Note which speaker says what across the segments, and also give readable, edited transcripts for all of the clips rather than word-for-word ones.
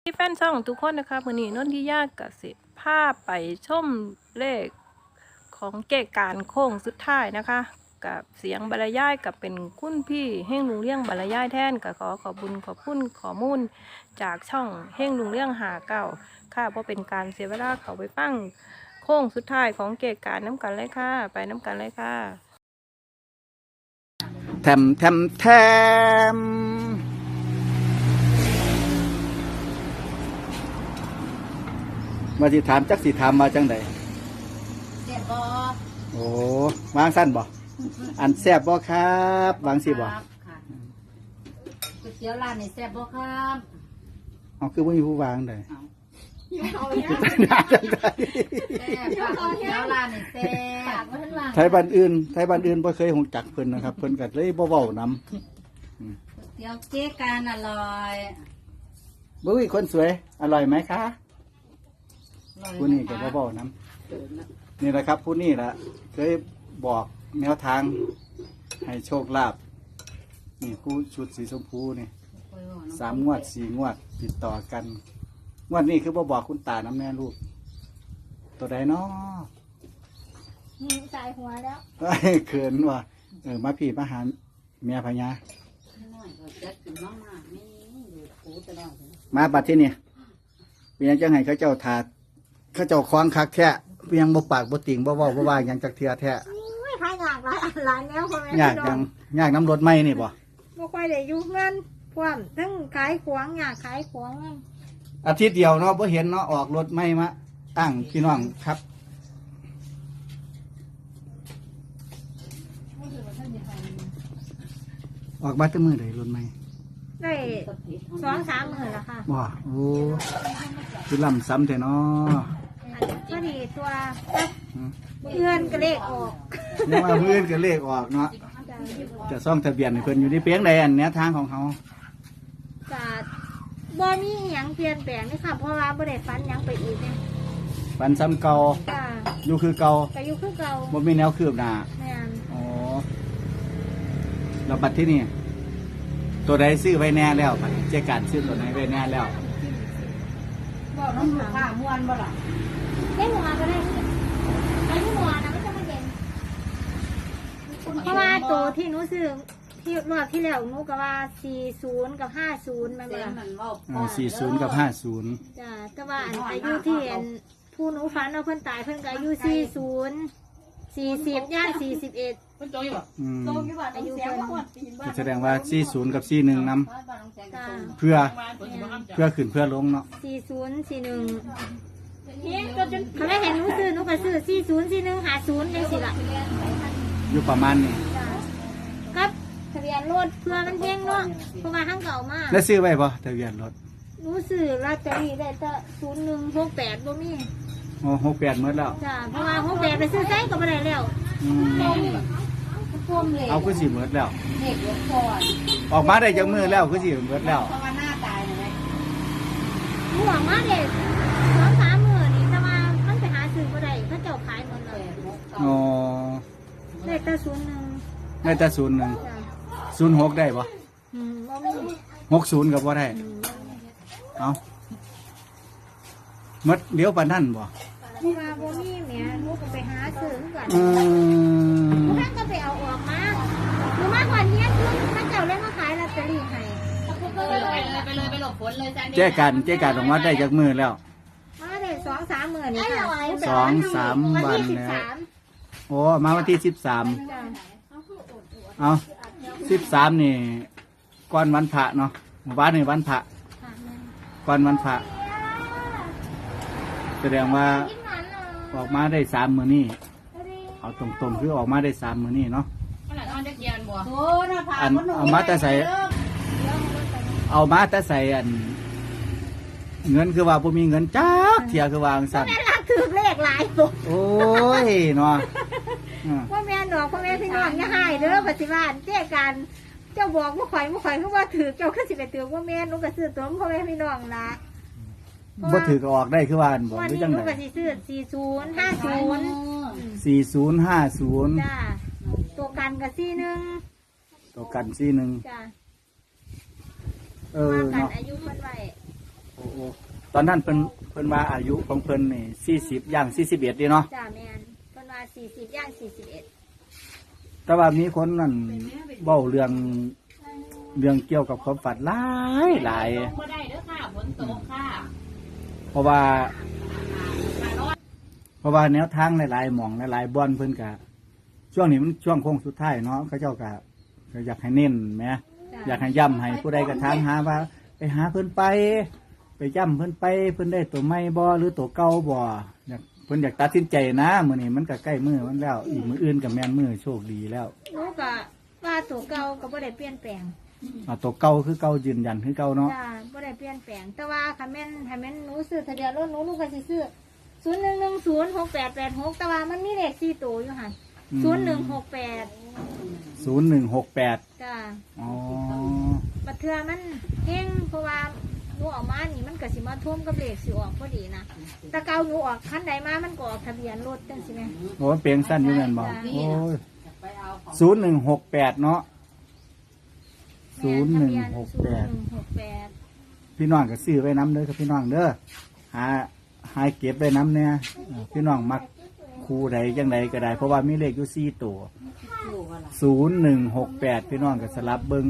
Speaker 1: แฟนช่องทุกคนนะคะวันนี้นนทิยากับสิภาพไปชมเลขของเกการโค้งสุดท้ายนะคะกับเสียงบรรยายกับเป็นคุณพี่เฮ่งลุงเลี้ยงบรรยายแทนกับขอขอบคุญขอบคุณข้อมูลจากช่องเฮ่งลุงเลี้ยงหาเก่าค่ะเพราะเป็นการเสียเวลาเขาไปฟังโค้งสุดท้ายของเกการน้ำกันเลยค่ะไปน้ำกันเลยค่ะ
Speaker 2: แถมแถมแถมมาสิถามจักสิถามมาจังใด
Speaker 3: แซ่บบ่
Speaker 2: โอ้วางสั้นบ่อันแซ่บบ่ครับวางสิบ่
Speaker 3: ค่ะก๋วยเตี๋ยวร้านนี่แซ่บบ่ครับ
Speaker 2: เอาคือบ่มีผู้วางใด
Speaker 3: เอา
Speaker 2: จังใด
Speaker 3: แซ่บค่ะก๋วยเตี๋ยวร้านนี่แซ่บบ่ทันว่า
Speaker 2: ไทยบ้านอื่นบ่เคยฮู้จักเพิ่นนะครับเพิ่นก็เลยบ่เว้านำ
Speaker 3: ก๋วยเตี๋ยวเจ๊การอร่อย
Speaker 2: บุ้ยคนสวยอร่อยไหมคะ
Speaker 3: อร่อย
Speaker 2: ผู้นี้ก็บ่เว้านำนี่แหละครับผู้นี้ล่ะเคยบอกแนวทางให้โชคลาภนี่ผู้ชุดสีชมพูนี่ 3 งวด 4 งวดติดต่อกันงวดนี้คือบ่บอกคุณตาน้ำแน่ลูกตัวใดเนาะ
Speaker 4: ใส่หัวแล้ว
Speaker 2: เขินว่ะมาพี่มาหาเมียพญา
Speaker 3: น้อยก็จัดขึ้นมาไม่ดูกูตลอดเลย
Speaker 2: มาบัดที่นี่เป็นยังจังไห้เขาเจ้าถาดเขาเจ้าคล้องคักแท้เพียงบ่ปากบ่ติ่งบ่เว้าบ่ว่าหยังจักเทื่อแท้
Speaker 4: ไม่ขายหยากหลายอันหลายแนวพ่อแม่
Speaker 2: ยากยังยากน้ำรถไหมนี่บ่
Speaker 4: บ่ค่อยได้อยู่เงินพร้อมทั้งขายของอยากขายของ
Speaker 2: อาทิตย์เดียวเนาะบ่เห็นเนาะออกรถไหมมาตั้งพี่น้องครับออกมาแต่มื้อใดรถไหม
Speaker 4: ได้2-3 มื้อแล้วค่ะ
Speaker 2: บ่โอ้คือลำซ้ำแต่เนาะ
Speaker 4: พอดีตัวเงินก็เลขออก
Speaker 2: ยังว่ามื้ออื่นก็เลขออกเนาะจะซ่องทะเบียนให้เพิ่นอยู่ในเปียงใดอันเนี้ยทางของเขา
Speaker 4: ก็บ่มีหยังเปลี่ยนแปลงเลยค่ะเพราะว่าบ่ได้ฝันหยังไปอีกเนี่ย
Speaker 2: ปันซ้ำเก่า
Speaker 4: จ้า
Speaker 2: อยู่คือเก่า
Speaker 4: ก็อยู่คือเก่า
Speaker 2: บ่มีแนวคืบหน้า
Speaker 4: แม่น
Speaker 2: อ๋อเราบัดที่นี่ตัวใดซื้อไว้แน่แล้วบัดเจ๊การซื้อตัวไหนไว้แน่แล้ว
Speaker 3: บ่น้ำลูกค้าม่วนบ่ล่ะ
Speaker 4: ได้หัวก็ได้ได้ที่หัวนะไม่ต้องมาเย็นเพราะว่าตัวที่หนูซื้อที่รอบที่แล้วหนูก็ว่า40กับ50มัน
Speaker 3: เสี
Speaker 4: บ่
Speaker 3: ยง
Speaker 4: ล่ะ
Speaker 3: มันเว้า
Speaker 2: 40 กับ 50
Speaker 4: จ้าแต่ว่าอันอายุที่เห็นผู้หนูฝันว่าเพิ่นตายเพิ่นก็อายุ40ย่าง41
Speaker 2: อืม
Speaker 4: อายุเพิ่น
Speaker 2: ก็แสดงว่า40กับ41นำ
Speaker 4: จ้า
Speaker 2: เพื่อขึ้นเพื่อลงเนาะ
Speaker 4: 4041เขาได้เห็นหนูซื้อหนูก็ซื้อ4041 50จังซี่ล่ะ
Speaker 2: อยู่ประมาณนี้
Speaker 4: จ้ากับทะเบียนรถเพื่อมันเพ่งเนาะเพราะว่าทั้งเก่ามาก
Speaker 2: แล้วซื้อไว้บ่ทะเบียนรถ
Speaker 4: หนูซื้อลอตเตอรี่ได้แต่0168บ่มี
Speaker 2: โอ้68หมดแล้ว
Speaker 4: จ้าเพราะว่า68ไปซื้อไสก็บ่ได้แล้ว
Speaker 2: อืม
Speaker 3: พ่วงเหล็ก
Speaker 2: เอาคือสิหมดแล้ว
Speaker 3: เหล็กยกก่อน
Speaker 2: ออกมาได้จักมือแล้วคือสิหมดแล้ว
Speaker 3: เพราะว่าหน้าตายเลย
Speaker 4: หนูหวังว่าเด็ก2-3มื้อนี่แต่ว่ามันไปหาซื้อบ่ได้เขาเจ้าขายหมดแล้ว
Speaker 2: อ๋อ
Speaker 4: ได้แต่01
Speaker 2: ได้แต่01
Speaker 4: จ้า
Speaker 2: 06ได้บ่
Speaker 4: บ่มี
Speaker 2: 60ก็บ่ได้เอาหมดเลี้ยวปานนั้นบ่
Speaker 4: ที่ว่าบ่มีแหม่หนูก็ไปหาซื้อคือกัน
Speaker 2: อืม
Speaker 4: ท่านก็ไปเอาออกมาหนูมาก่อนเนี้ยคือท่านเจ้าเลยมาขายลอตเตอรี่ให้
Speaker 3: ไปหลบฝนเลยจ้ะ
Speaker 2: เจ๊การออกมาได้จากมือแล้ว
Speaker 4: มาได้2-3มื้อนี่ค่ะ
Speaker 2: 2-3 วัน
Speaker 4: ที่
Speaker 2: แล้ว
Speaker 4: 13
Speaker 2: โอ้มาวันที่13
Speaker 4: จ้ะ
Speaker 2: เอา13นี่ก่อนวันพระเนาะวันนี้วันพระ
Speaker 4: ค่ะแม่
Speaker 2: ก่อนวันพระแสดงว่า
Speaker 4: กินหวานหน่อย
Speaker 2: ออกมาได้3 มื้อนี้
Speaker 4: พอดี
Speaker 2: เอาตรงๆคือออกมาได้3 มื้อนี้เนาะ
Speaker 3: โอ้น่าพา
Speaker 2: อันเอามาแต่ใส่เอามาแต่ใส่อัน เงินคือว่าบ่มีเงินจักเที่ยคือว่าจังซั่น
Speaker 4: แม่รักถือเลขหลายตัว
Speaker 2: โอ้ยเนาะอืม
Speaker 4: พ่อแม่ดอกพ่อแม่พี่น้องอย่าให้เด้อปฏิบัติเจ้ากันเจ้าบอกว่าข่อยคือว่าถือเจ้าคือสิไปถือว่าแม่หนูก็ซื้อตัวพ่อแม่พี่น้องละ
Speaker 2: บ่ถือก็ออกได้คือว่าอันบ่
Speaker 4: วัน
Speaker 2: หรือ
Speaker 4: นี้
Speaker 2: จัง
Speaker 4: หนู
Speaker 2: ได๋
Speaker 4: ก็สิซื้อ4050
Speaker 2: 4050
Speaker 4: จ้าตัวกันกับ
Speaker 2: ตัวกัน41
Speaker 4: จ้า
Speaker 2: เออ
Speaker 4: ว่ากัน
Speaker 2: เนาะ
Speaker 4: อายุเพิ่นไว้
Speaker 2: โอ้โอ้ตอนนั้นเพิ่นว่าอายุของเพิ่นนี่40ย่าง41ดีเนาะ
Speaker 4: จ้าแม่นเพิ่นว่า40ย่าง41
Speaker 2: แต่ว่ามีคนนั่นเว้าเรื่องเกี่ยวกับความฝันหลาย
Speaker 3: บ่ได้เด้อค่ะฝนตกค่ะ
Speaker 2: เพราะว่าแนวทางหลายๆหม่องหลายๆบ่อนเพิ่นก็ช่วงนี้มันช่วงโค้งสุดท้ายเนาะเขาเจ้าก็อยากให้เน้นแหมอยากให้ย้ำให้ผู้ใดก็ถามหาว่าไปหาเพิ่นไปย้ำเพิ่นไปเพิ่นได้ตัวใหม่บ่หรือตัวเก่าบ่เพิ่นอยากตัดสินใจนะมื้อนี้มันก็ใกล้มื้อมันแล้วอีกมื้ออื่นก็แม่นมื้อโชคดีแล้ว
Speaker 4: หนูก็ว่าตัวเก่าก็บ่ได้เปลี่ยนแปลง
Speaker 2: ตัวเก่าคือเก่ายืนยันคือเก่าเนาะ
Speaker 4: จ้าบ่ได้เปลี่ยนแปลงแต่ว่าคันแม่นหนูซื้อทะเบียนรถหนูก็สิซื้อ01106886แต่ว่ามันมีเลข4ตัวอยู่หั่น0168
Speaker 2: 0168
Speaker 4: จ้า
Speaker 2: อ๋อ
Speaker 4: บัดเทื่อมันเฮงเพราะว่าหนูออกมานี่มันก็สิมาท่วมกับเลขสิออกพอดีนะแต่เก่าหนูออกคันใดมามันก็ออกทะเบียนรถจังซี่แม่
Speaker 2: โอ้เปลงสั้นอยู่แม่นบ่โอ้ย
Speaker 3: ไปเอาของ
Speaker 2: 0168เนาะ
Speaker 4: ทะเบียน
Speaker 2: 0168พี่น้องก็ซื้อไว้น้ำเด้อครับพี่น้องเด้อหาเก็บไว้น้ำเนี่ยพี่น้องมักคู่ใดจังใดก็ได้เพราะว่ามีเลขอยู่4ตัว0168พี่น้องก็สลับเบิ่ง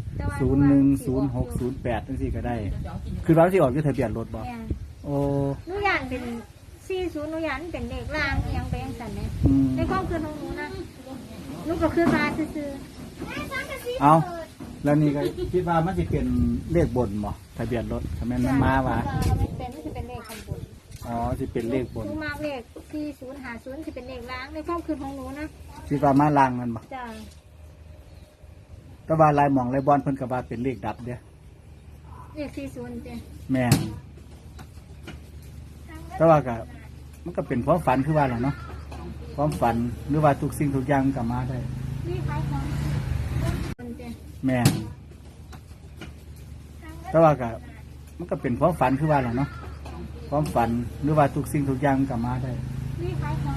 Speaker 2: 010608จังซี่ก็ได้ คือเราสิออกอยู่ทะเบียนรถบ่
Speaker 4: แม่น
Speaker 2: โอ้
Speaker 4: หนูย่านเป็น40หนูย่านเป็นเลขล่างอิหยังไปจังซั่นแหม
Speaker 2: อืม
Speaker 4: ในความคิดของหนูนะหนูก็คือมาซื่อ
Speaker 2: เอาแล้วนี่ก็คิดว่ามันสิเป็นเลขบนบ่ทะเบียนรถถ้าแม่นมันมาว่า
Speaker 4: มันสิเป็นเลขข้างบน
Speaker 2: อ๋อสิเป็นเลขบน
Speaker 4: หนูมาเลข4050สิเป็นเลขล่างในความคิดของหนูนะ
Speaker 2: คิดว่ามาล่างมันบ่
Speaker 4: จ้า
Speaker 2: แต่ว่าลายหมองลายบอลเพิ่นก็ว่าเป็นเลขดับเด้อ
Speaker 4: เลข40จ้ะ
Speaker 2: แม่นแต่ว่าก็มันก็เป็นความฝันคือว่าแหละเนาะความฝันหรือว่าทุกสิ่งทุกอย่างก็มาได้
Speaker 4: นี่ขายของจ้ะ
Speaker 2: แม่นแต่ว่าก็มันก็เป็นความฝันคือว่าแหละเนาะความฝันหรือว่าทุกสิ่งทุกอย่างก็มาได้
Speaker 4: นี่ขายของ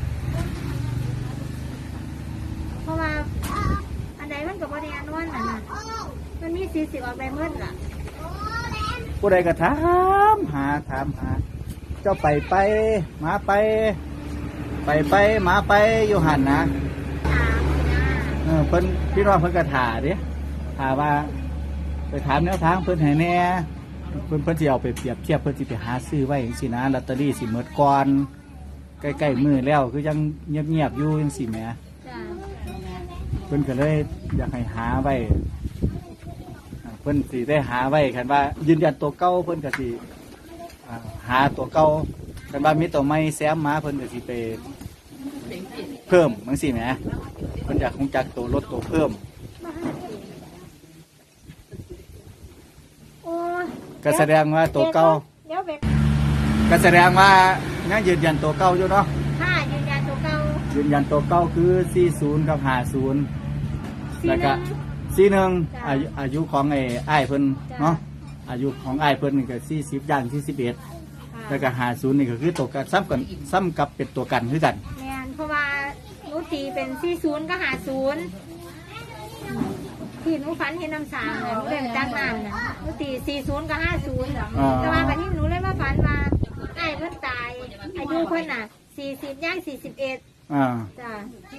Speaker 4: เพราะว่าอันใดมันก็บ่ได้อันนวนน่ะนะมันมี40ออกไปหมดล่ะ
Speaker 2: ผู้ใดก็ถามหาเจ้าไปหมาไปหมาไปอยู่หันนะ
Speaker 4: ถามนะ
Speaker 2: เพิ่นพี่น้องเพิ่นก็ถาเด้ถาว่าไปถามแนวทางเพิ่นให้แหน่เพิ่นสิเอาไปเปรียบเทียบเพิ่นสิไปหาซื้อไว้จังซี่นะลอตเตอรี่สิหมดก่อนใกล้ๆมือแล้วคือยังเงียบๆอยู่จังซี่แหม
Speaker 4: จ้ะ
Speaker 2: เพิ่นก็เลยอยากให้หาไว้เพิ่นสิได้หาไว้คันว่ายืนยันตัวเก่าเพิ่นก็สิหาตัวเก่าคันว่ามีตัวใหม่แซมมาเพิ่นก็สิไปเพิ่มจังซี่แหมเพิ่นอยากคงจักตัวลดตัวเพิ่ม
Speaker 4: โอ้ย
Speaker 2: ก็แสดงว่าตัวเก่า
Speaker 4: เดี๋ยวเบก
Speaker 2: ก็แสดงว่ายังยืนยันตัวเก่าอยู่เนาะ
Speaker 4: ค่ะยืนยันตัวเก่า
Speaker 2: ยืนยันตัวเก่าคือ40กับ50แล้วก็41อายุของอ้ายเพิ่นเนาะอายุของอ้ายเพิ่นนี่ก็40ย่าง41แล้วก็50นี่ก็คือตัวกันซ้ำกับเป็นตัวกันคือกัน
Speaker 4: แม่นเพราะว่าหนูตีเป็น40กับ50ที่หนูฝันเห็นน้ำสางเลยหนูเลยตั้งน้ำนะหนูตี40กับ50แต่ว่าวันนี้หนูเลยมาฝันว่าไอ้เพิ่นตายอายุเพิ่นน่ะ40ย่าง41
Speaker 2: อ่า
Speaker 4: จ้ะ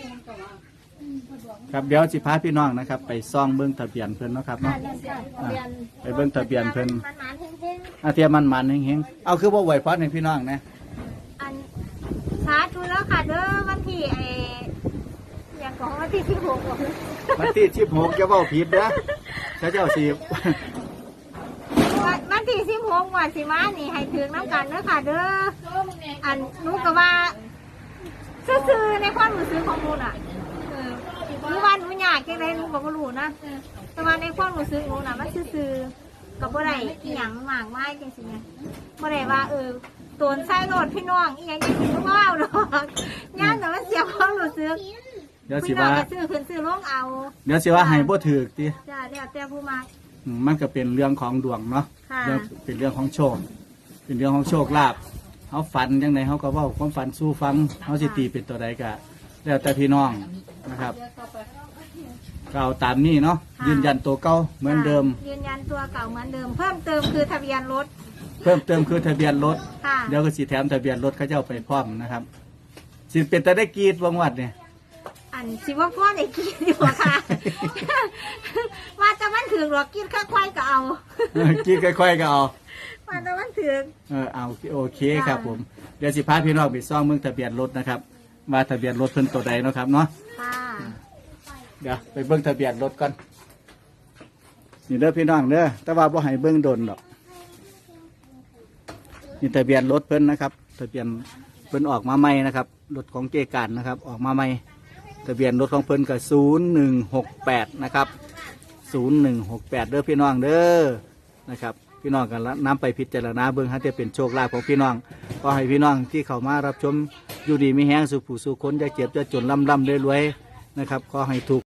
Speaker 2: ครับเดี๋ยวสิพาพี่น้องนะครับ ไปซ่องเบิ้งทะเบียนเพิ่นเนาะครับ
Speaker 4: ค่ะ
Speaker 2: เนาะ
Speaker 4: เรียน
Speaker 2: ไปเบิ่งทะเบียนเพิ่น
Speaker 4: มันหมานเพ่ง
Speaker 2: อาเทียมมันเฮงๆเอาคือว่าไหวพอดให้พี่น้องนะ
Speaker 4: ๆอันสาธุแล้วค่ะเด้อวันที่อย่างของวันที่16บอกเลย
Speaker 2: วันที่16จะเว้าผิดเด้อถ้าเจ้าสิ
Speaker 4: วันที่16วันสิมานี่ให้ถึงน้ำกันเด้อค่ะเด้ออันหนูก็ว่าซื่อๆในความรู้สึกของหนูน่ะหนูว่าหนูอยากจังไดหนูก็บ่รู้นะแต่ว่าในความรู้สึกหนูน่ะมันซื่อๆก็บ่ได้อีหยังมากมายจังซี่ไงบ่ได้ว่าตนใส่รถพี่น้องอีหยังจังซี่หนูบ่เอาดอกย่านแต่มันเสียความรู้สึก
Speaker 2: เดี๋ยวสิ
Speaker 4: พี่น้อ
Speaker 2: ว่าง
Speaker 4: ก็ซื้อขึ้นซื้อลงเอา
Speaker 2: เดี๋ยวสิว่าให้บ่ถูกติ
Speaker 4: จ้าแล้วแต่ผู้มัก
Speaker 2: มันก็เป็นเรื่องของดวงเนาะ
Speaker 4: ค่ะ
Speaker 2: เป็นเรื่องของโชค เป็นเรื่องของโชคลาภเฮาฝันจังไดเฮาก็เว้าความฝันสู่ฟังเฮาสิตีเป็นตัวใดก็แล้วแต่พี่น้องนะครับก็เอาตามนี้เนาะยืนยันตัวเก่าเหมือนเดิม
Speaker 4: ยืนยันตัวเก่าเหมือนเดิม เพิ่มเติมคือทะเบียนรถ
Speaker 2: เพิ่มเติมคือทะเบียนรถ
Speaker 4: ค่ะ
Speaker 2: เดี๋ยวก็สิแถมทะเบียนรถเขาเจ้าไปพร้อมนะครับสิเป็นแต่ได้กรีดวังวัดเนี่ย
Speaker 4: อันสิว่าพ่อได้กินอยู่บ่ค่ะ ว่าแต่มันถึงหรอกกินค่อยๆก็เอา
Speaker 2: กรีดค่อยๆก็เอา
Speaker 4: ว่าแต่มันถึง
Speaker 2: เอาโอเคครับผมเดี๋ยวสิพาพี่น้องไปซ่องเมืองทะเบียนรถนะครับว่าทะเบียนรถเพิ่นตัวใดเนาะครับเนาะ
Speaker 4: ค่ะ
Speaker 2: เดี๋ยวไปเบิ่งทะเบียนรถก่อนนี่เด้อพี่น้องเด้อแต่ว่าบ่ให้เบิ่งโดนดอกนี่ทะเบียนรถเพิ่นนะครับทะเบียนเพิ่นออกมาใหม่นะครับรถของเจการนะครับออกมาใหม่ทะเบียนรถของเพิ่นก็0168นะครับ0168เด้อพี่น้องเด้อนะครับพี่น้องกันนำไปพิจารณาเบิ่งฮะจะเป็นโชคลาภของพี่น้องก็ให้พี่น้องที่เข้ามารับชมอยู่ดีมีแห้งสุขผู้สุขคนจะเจ็บจะจนร่ำรวยๆนะครับขอให้ถูก